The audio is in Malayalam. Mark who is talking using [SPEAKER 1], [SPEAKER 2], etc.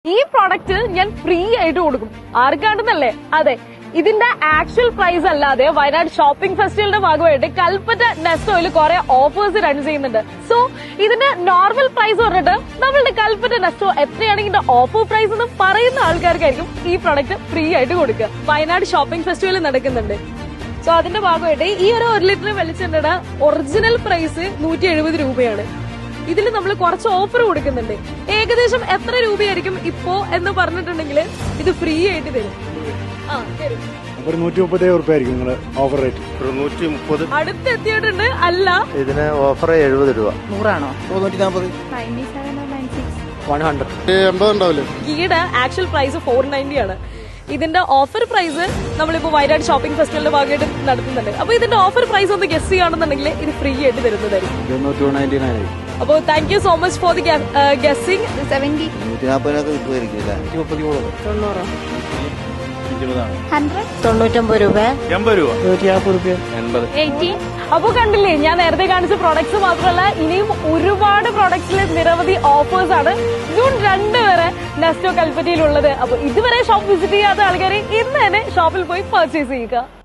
[SPEAKER 1] ഈ പ്രോഡക്റ്റ് ഞാൻ ഫ്രീ ആയിട്ട് കൊടുക്കും. ആർക്കാണെന്നല്ലേ? അതെ, ഇതിന്റെ ആക്ച്വൽ പ്രൈസ് അല്ലാതെ വയനാട് ഷോപ്പിംഗ് ഫെസ്റ്റിവലിന്റെ ഭാഗമായിട്ട് കൽപ്പറ്റ നെസ്റ്റോയിൽ കുറെ ഓഫേഴ്സ് റൺ ചെയ്യുന്നുണ്ട്. സോ ഇതിന്റെ നോർമൽ പ്രൈസ് പറഞ്ഞിട്ട് നമ്മളുടെ കൽപ്പറ്റ നെസ്റ്റോ എത്രയാണ് ഇതിന്റെ ഓഫർ പ്രൈസ് എന്ന് പറയുന്ന ആൾക്കാർക്കായിരിക്കും ഈ പ്രോഡക്റ്റ് ഫ്രീ ആയിട്ട് കൊടുക്കുക. വയനാട് ഷോപ്പിംഗ് ഫെസ്റ്റിവൽ നടക്കുന്നുണ്ട്. സോ അതിന്റെ ഭാഗമായിട്ട് ഈ ഒരു 1 ലിറ്റർ വെളിച്ചെണ്ണയുടെ ഒറിജിനൽ പ്രൈസ് 170 രൂപയാണ്. ഇതിൽ നമ്മൾ കുറച്ച് ഓഫർ കൊടുക്കുന്നുണ്ട്. ഏകദേശം എത്ര രൂപയായിരിക്കും ഇപ്പോ എന്ന് പറഞ്ഞിട്ടുണ്ടെങ്കിൽ ഇത് ഫ്രീ ആയിട്ട് തരും.
[SPEAKER 2] ഒരു 137 രൂപ ആയിരിക്കും നിങ്ങള് ഓഫർ റേറ്റ്.
[SPEAKER 3] 130
[SPEAKER 1] അടുത്തെത്തിയിട്ടുണ്ട്. അല്ല,
[SPEAKER 3] ഇതിന് ഓഫർ 70 രൂപ.
[SPEAKER 4] 100
[SPEAKER 3] 140 100 80 ഉണ്ടാവില്ലേ?
[SPEAKER 1] ഗീയുടെ ആക്ച്വൽ പ്രൈസ് 490 ആണ്. ഇതിന്റെ ഓഫർ പ്രൈസ് നമ്മളിപ്പോ വയനാട് ഷോപ്പിംഗ് ഫെസ്റ്റിവലിന്റെ ഭാഗമായിട്ട് നടത്തുന്നുണ്ട്. അപ്പൊ ഇതിന്റെ ഓഫർ പ്രൈസ് ഒന്ന് ഗസ് ചെയ്യുകയാണെന്നുണ്ടെങ്കിൽ ഇത് ഫ്രീ ആയിട്ട് തരുന്നതായിരിക്കും.
[SPEAKER 2] 299
[SPEAKER 1] അപ്പോൾ thank you so much for the guessing.
[SPEAKER 4] 70
[SPEAKER 3] 140 കിട്ടുമായിരിക്കും അല്ലേ?
[SPEAKER 4] 99 രൂപ
[SPEAKER 3] 80 രൂപ
[SPEAKER 4] 80.
[SPEAKER 1] അപ്പൊ കണ്ടില്ലേ, ഞാൻ നേരത്തെ കാണിച്ച പ്രോഡക്ട്സ് മാത്രമല്ല ഇനിയും ഒരുപാട് പ്രോഡക്ട്സിൽ നിരവധി ഓഫേഴ്സ് ആണ് ജൂൺ 2 വരെ നെസ്റ്റോ കൽപ്പറ്റയിലുള്ളത്. അപ്പൊ ഇതുവരെ ഷോപ്പ് വിസിറ്റ് ചെയ്യാത്ത ആൾക്കാർ ഇന്ന് തന്നെ ഷോപ്പിൽ പോയി പർച്ചേസ് ചെയ്യുക.